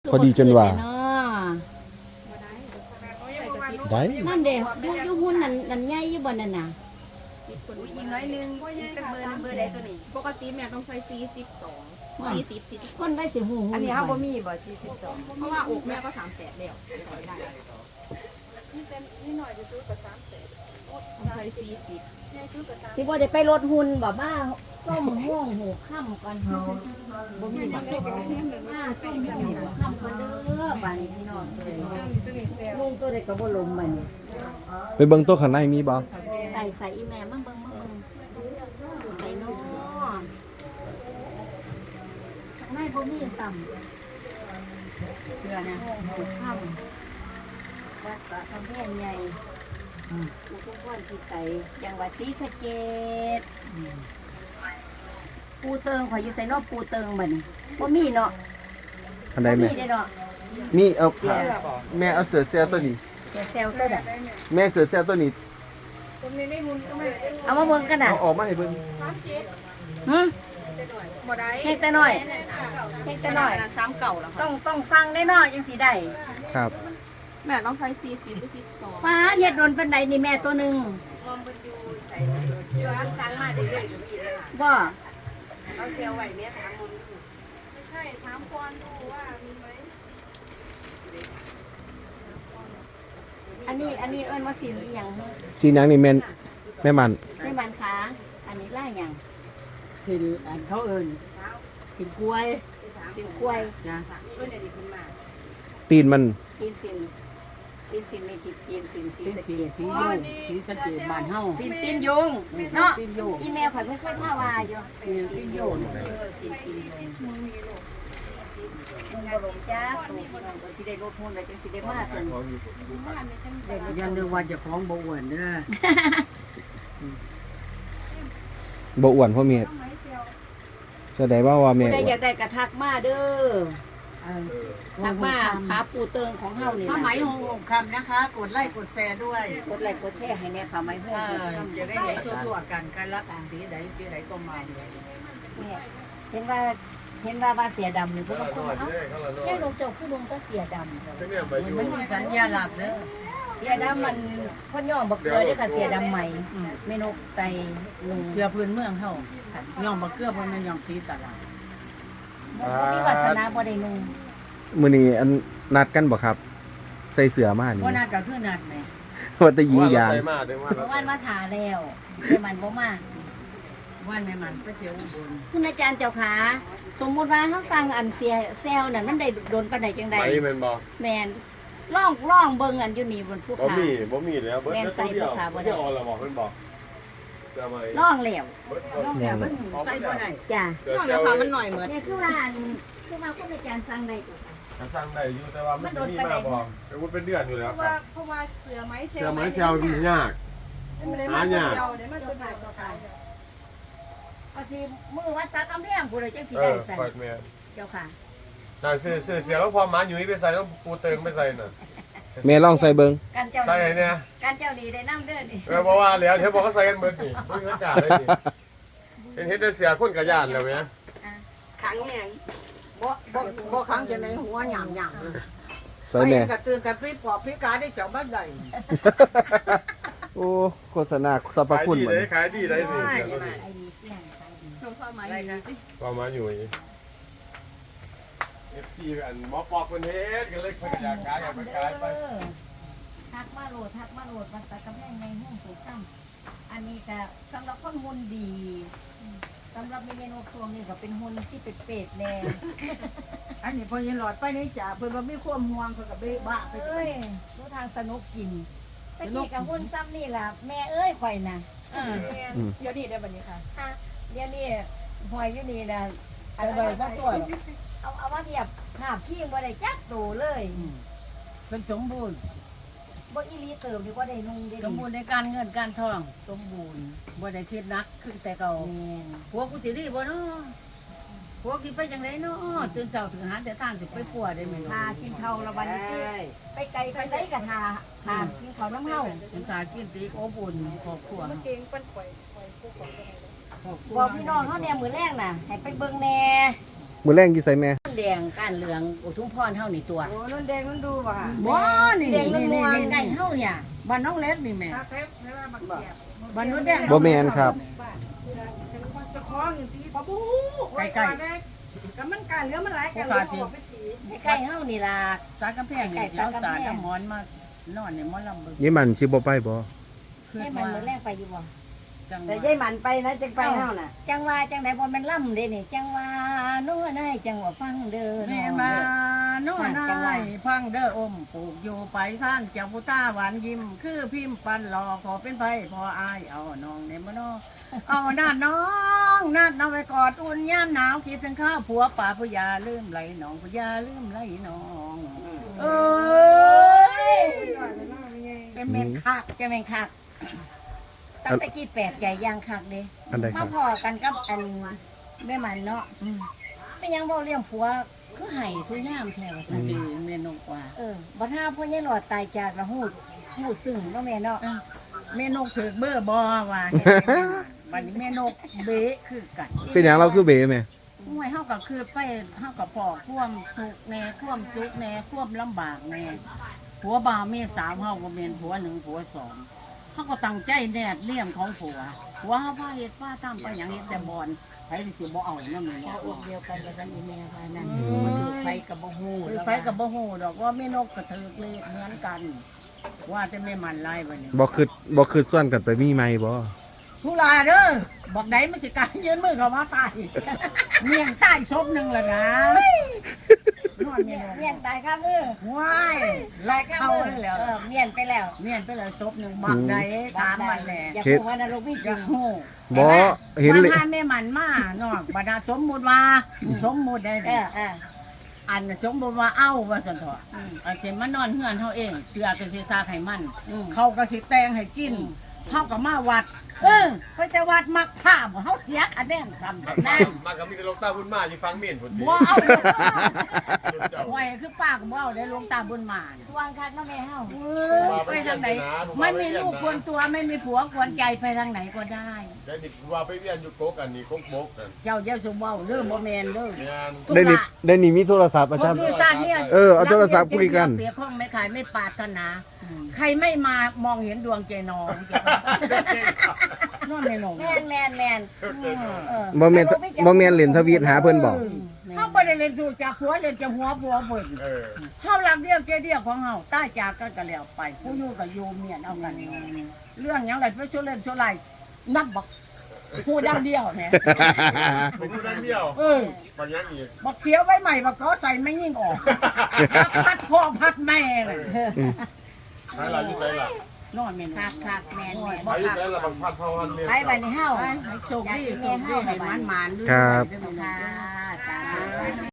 พอดีจนว่าได้นั่นเด้อยู่หุ้นนั่นใหญ่อยู่บ่นั่นน่ะอีกน้อยนึงเป็นเบอร์ใดตัวนี้ปกติแม่ต้องใช้42 คนได้สิหูอันนี้เฮาบ่มีบ่42เพราะว่าอกแม่ก็38แล้วได้นี่หน่อยจะซื้อกับ38ใช้40แม่ซื้อกับ30 สิบ่ได้ไปลดหุ้นบ่มาส้มห่วงหูค่ำก่อนบ่มีบ่ส้มมาส้มห่วงหูค่ำก่อนเด้อบัดนี้พี่น้องลุงตัวใดก็บ่ลมบัดนี้ไปเบิ่งโต๊ะข้างในมีบ่ใส่อีแม่มาเบิ่งใส่น้อข้างในบ่มีซ้ำเชื่อนะหูค่ำวัดสะกำแพงใหญ่อุทุมพรพิสัยจังหวัดศรีสะเกษปูเติงข่อยอยู่ใส่นอกปูเติงบัดนี้บ่มีเนาะอันใดแม่มีเด้เนาะมีเอาแม่เอาเสือเซลตัวนี้เซลตัวน่ะแม่เสือเซลตัวนี้เอามาเบิ่งกันน่ะเอาออกมาให้เบิ่งหึบ่ได้เฮ็ดแต่น้อยเฮ็ดแต่น้อย 3เก่าแล้วค่ะต้องสั่งได้เนาะจังสิได้ครับแม่ต้องใช้40หรือ42 ป้าเฮ็ดโดนปานใดนี่แม่ตัวหนึงสั่งมาเรื่อยๆก็มีเลยค่ะบ่เอาเซลไว้แม่ถามมันไม่ใช่ถามก่อนดูว่ามีไหมอันนี้เอิ้นว่าสินอีหยังฮะสีนางนี่แม่มันในบ้านค้าอันนี้ล่าหยังสินอันเขาเอิญสินกล้วยสินกล้วยนะเพื่อนได้ขึ้นมาตีนมันตีนสินในติดตีนสินสีเป็นสะเกสีษสียุ่งสีสะเกดบ้านเฮาสินตีนยุงเนาะตีนยุ่งอีแม่ข่อยเพิ่นเคยพาว่าอยู่สีตีนยุ่งมึงบ่ลงจ้าตู่พี่น้องก็สิได้ลดหุ้นแล้วจังสิได้มาตัวนี้ยันเรื่องว่าเจะคล้าของบ่อ้วนเด้อบ่อ้วนพ่อเมียแสดงว่าแม่ผู้ใดอ้วอยาน กได้กระทักมาเด้อเออทักมาหาปูเติงของเฮานี่ผ้าล่ะไหมหงคำนะคะ กดไลค์กดแชร์ด้วยกดไลค์กดแชร์ให้แน่ค่ะไม้ฮู้จะได้เห็นทั่วๆกันการรักสีใดก็มาเลยเนี่ยเห็นว่าเสียดำนี่พวกมันเอ้าแย่ลงเจ้าคือลงก็เสียดำมันมีสัญญาหลักเด้อเสียดำมันพ่นย่องบักเกลือเด้อค่ะเสียดำใหม่เมนูใส่ลุงเสื้อพื้นเมืองเฮาย่องบ่เกลือบ่แม่นย่องสีตลาดบ่มีวาสนาบ่ได้นุ่งมื้อนี้อันนัดกันบ่ครับ ใส่เสื้อมานี่บ่นัดก็คือนัดแหมว่าแต่ยิงยางเมื่อวานมาถาแล้วแต่มันบ่มาวันแม่มันไปเที่ยวอุบลคุณอาจารย์เจ้าขาสมมุติว่าเฮาสั่งอันเสียแซลนั่นมันได้โดนปานใดจังได๋ไปแม่นบ่แม่นล่องเบิ่งอันอยู่นี่บนภูบ่เขามีแล้วเบิดแม่นใส่เดียวบ่ขาบ่ได้เดียวเอาละบอกเพิ่นบอกจะมาล่องแล้วน้องเนี่ยมันใส่บ่ได้จ้ะนอกจากค่ะมันหน่อยเหมือนเนี่ยคือว่าคุณอาจารย์สั่งได้สร้างได้อยู่แต่ว่ามันมีมากบ่แต่ว่าเป็นเดือนอยู่แล้วครับเพราะว่าเสือไม้เซลเสื้อไม้เซลมันยาก หายากเดี๋ยวมันตัวใหญ่ตัวใหญ่ก็สิมือวัดซักกำแพงผู้ใดจังสิเอได้อใส่ปล่อยแม่เจ้าค่ะน่าซื้อเสียแล้วพอหมาหยุ่ยไปใส่ต้องปูเติงไปใส่น่ะแม่ลองใส่เบิ่งการเจ้าใส่ไหนเนี่ยการเจ้าดีได้น้ำเด้อนี่เพราะว่าแล้วเดี๋ยวบอกเขาใส่กันเบิดนี่บ่มีอากาศเลยนี่เห็นได้เสียคนกระยานแล้วแม่ขังแหงบ่ครั้งจะในหัวหยามใส่แม่กระตือนกระปรี้ปอบพิการได้เสียวบ้านใดโอ้โฆษณาสรรพขายคุณดีบ่เลยขายดีเลยนี่เสียตัวนี้ไอ้ดีเสี่ยงขายดีหลวงพ่อไม้พอหมาหยุ่ย FC อันหมอปอกเพิ่นเฮ็ดก็เลยเพิ่นก็อยากขายอยากไปขายไปทักมาโหลดวัดซักกำแพงในห้องถูกต้องอันนี้ก็สำหรับคนหุ่นดีสำหรับเมนูครัวนี่ก็เป็นหุ่นที่เป็ดๆแน่อันนี้พอยันหลอดไปนี่จ่าเพิ่นบ่มีความห่วงเพิ่นก็เบ้บ้าไปเอ้ยรู้ทางสนุกกินตะกี้กับหุ่นซ้ำนี่ล่ะแม่เอ้ยข่อยน่ะเดี๋ยวนี้ได้แบบนี้ค่ะอ่ะเดี๋ยวนี้หอยอยู่นี่น่ะเอาไปบ่ตัวเอามาเทียบหาบขี้บ่ได้จักโตเลยเพิ่นสมบูรณ์บ่อีหลีเติมดีกว่าได้นุ่งได้สมบูรณ์ในการเงินการทองสมบูรณ์บ่ได้คิดนักขึ้นแต่เก่าแม่นผัวกูสิดีบ่เนาะผัวกินไปจังไดเนาะตื่นเช้าถึงหาแต่ทางสิไปปัวได้แม่หากินข้าวละวันนี้ไปไกลไปไดก็หากินข้าวน้ำเฮาถึงตากินตีโอบอุ่นครอบครัวเก่งเป็นข่อยบอกพี่น้องเฮาแน่มื้อแรกน่ะให้ไปเบิ่งแน่มื้อแรงกี่ใส่แม่แดงก้านเหลืองอุทุมพรเฮานี่ตัวโอ้นุ่นแดงนุ่นดูป่ะค่ะบ่นี่แดงนนี่วลนี่ๆไก่เฮาเนี่ยบ้านน้องเล็กนี่แม่บ้านนู้นแดงบ่แม่นครับใกล้ก็มันการเรื่องมันหลายกันไก่เฮานี่ล่ะๆสากกำแพงนี่เสียวสารน้ำหมอนมานอนในหมอลำเบิ่งยี่มันสิบ่ไปบ่คือให้มันว่ามื้อแรกไปอยู่บ่จังหแต่วะยายหมันไปนะจังไปเฮาน่ะจังว่าจังไดบ่แม่นล่ำเด้นี่จังว่าโน้ได้จังว่าฟังเด้อแม่เนาะมาโน่นนายพังเด้ออมปลูกอยู่ไปซ่านเจ้าผู้ตาหวานยิ้ม คือพิมพ์ปันหลอขอเป็นไผพออายเอาน้องในมโนเอานาดน้องนาดน้องไปกอดอุ่นย่ามหนาวคิดถึงข้าวผัวป่าผู้ยาลืมไหลน้องผู้ยาลืมไหลน้องเอ้ยเป็นเมนคักจะแม่นคักตั้งแต่กี้แปลกใจย่างคักเด้อันใดคมารับพอกันกับอันแม่มันเนาะไม่ยังบ่เลี้ยงผัวคือไห้ซื้อยามแท้ว่าซั่นดีเมนกว่าบ่ถ้าพ่อใหญ่หลอดตายจากละฮู้ซึ้งเนาะแม่เนาะเมนกถือเบอร์บอว่าเฮ็ดให้แม่นวันนี้เมนกเบะคือกันเป็นหยังเราคือเบแม่ห่วยเฮาก็คือไปเฮาก็พอความทุกข์แน่ความสุขแน่ความลำบากแน่ผัวบ่าวเมียสาวเฮาก็เป็นผัวหนึ่งผัวสองเฮาก็ตั้งใจแนบเลี่ยมของผัวผัวเฮาพาเฮ็ดพาทำไปหยังเฮ็ดแต่บ่อนไผสิบ่เอานำแม่พอเนาะอกเดียวกันกับซั่นอีแม่ว่านั่นอืมมันถูกไฟกับบ่ฮู้คือไผก็บ่ฮู้ดอกว่าแม่นกก็ถือเลขเหมือนกัน ว่าแต่แม่มันลายบัดนี้บ่คือส่วนกันไปมีใหม่บ่ผู้ลาเด้อบอกไหนมันสิกลารยืนมือเขามาตายเมียงใต้ศพหนึ่งเลยนะนอนเมียนเมียนตายครับอว้ายไล่เข้าเลยแล้วเมียนไปแล้วเมียนไปเลยศพหนึ่งบักไหนตามมันแหละอย่าพูดว่านรกมีจจัริกงหูบ่เห็นบัเลยงหาแม่มันมานอกบรรดาสมมุติว่าสมมุติได้ อันสมมุติว่าเอ้าว่าสันเถอะอันเสมานอนเฮือนเฮาเองเสือก็สิซากให้มัน เขาก็สิแต่งให้กินเฮาก็มาวัดไปแต่วัดมักผ้าบ่เฮาเสียคะแนนซ้ำมากับมีแต่ลงตาบุญมาอยู่ฟังเมียนพุ่นติบ่เอาไว้คือป้าก็บ่เอาได้หลวงตาบุญมาน่ะสว่างคักเนาะแม่เฮาไปทางไหนไม่มีลูกควรตัวไม่มีผัวควรใจไปทางไหนก็ได้ได้นี่ว่าไปเวียนอยู่กกอันนี้กกบกนั่นเจ้าอย่าสุเว้าเด้อบ่แม่นเด้อแม่นได้นี่มีโทรศัพท์อาคจารนย์อีสานเนี่ยเอาโทรศัพท์คุยกันเปรียบข้องไม่ขายไม่ปรารถนา ใครไม่มามองเห็นดวงใจน้องนอนในหนองแม่นบ่แม่นเล่นทวีตหาเพิ่นบอกเฮาบ่ได้เล่นถูกจากผัวเล่นจากหัวผัวเบิ่งเออเฮารักเดียวใจเดียวของเฮาตายจากกันก็แล้วไป ผู้อยู่ก็อยู่เมียนเอากันเรื่องหยังไรไปชั่วเล่นชั่วไรนับบักผู้ดังเดียวแหมเป็นผู้นั้นเดียวบางอย่างอีกบักเขียวไว้ใหม่บักก็ใส่ไม่ยิ่งออกพัดพ่อพัดแม่เลยให้เราอยู่ไสล่ะนอนแม่นคักแม่นไปอยู่ไสล่ะบางพัดพาวันเมียนไปบัดนี้เฮาโชคดีโชคดีให้มันๆด้วยครับด้วยค่ะสาธุ